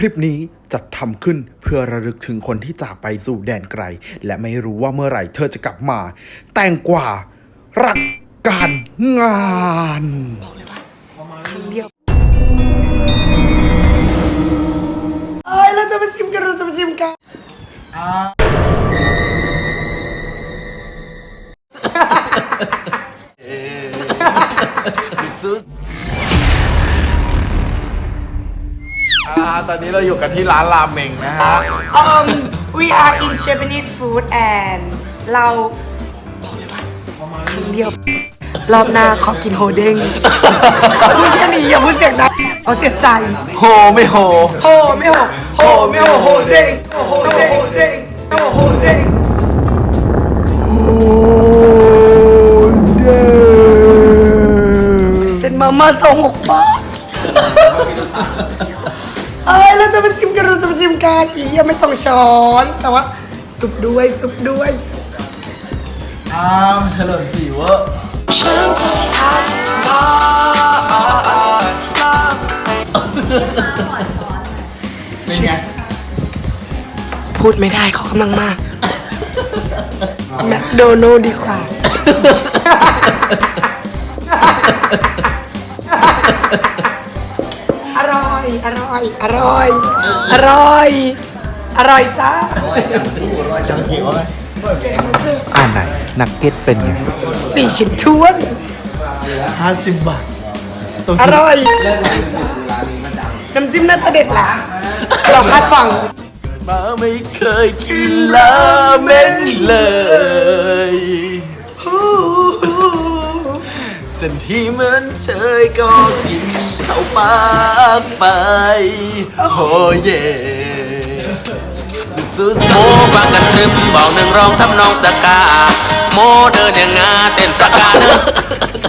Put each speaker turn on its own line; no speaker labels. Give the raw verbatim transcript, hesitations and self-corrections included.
ลิปนี้จัดทำขึ้นเพื่อระลึกถึงคนที่จากไปสู่แดนไกลและไม่รู้ว่าเมื่อไหร่เธอจะกลับมาแต่งกว่ารักการงานบอกเลยว่าครั้งเดียวเอ้ยเราจะมาชิมกันเราจะมาชิมกัน
ตอนนี้เราอยู่กันที่ร้านราเมงนะฮะ
um we are in Japanese food and เราบอกเลยว่าครั้งเดียวรอบหน้าขอกินโฮเด้งพูดแค่นี้อย่าพูดเสียงดังเอาเสียใจ
โฮไม่โฮ
โฮไม่โฮโฮไม่โฮโฮเด้งโฮเด้งโฮเด้งโฮเด้งเส้นมาม่าสองหกบาทเอ้ยเราจะมาชิมกันเราจะมาชิมกันอียังไม่ต้องช้อนแต่ว่าสุกด้วยสุกด้วย
อ้ามเฉลิมศรีเวอร์เป็นไง
พูดไม่ได้เขากำลังมากแมคโดนัลด์ดีกว่าอร่อยอร่อยอร่อยอร่อยอร่อยจ้า
จังเขียวเลย
อ่านไหนนักเก็ตเป็นไง
สี่ชิ้นทวน
ห้าสิบบาท
อร่อยน้ำจิ้มน่าจะเด็ดแหละเราคาดหวัง
มาไม่เคยกินราเมงเลยเส้นที่เหมือนเชยก็กินเข้าปากไปโอ้เย่สู้ๆ
โมฟังกันตรึมบอกหนึ่งร้องทำนองสกาโมเดินอย่างงาเต้นสกาเนอะ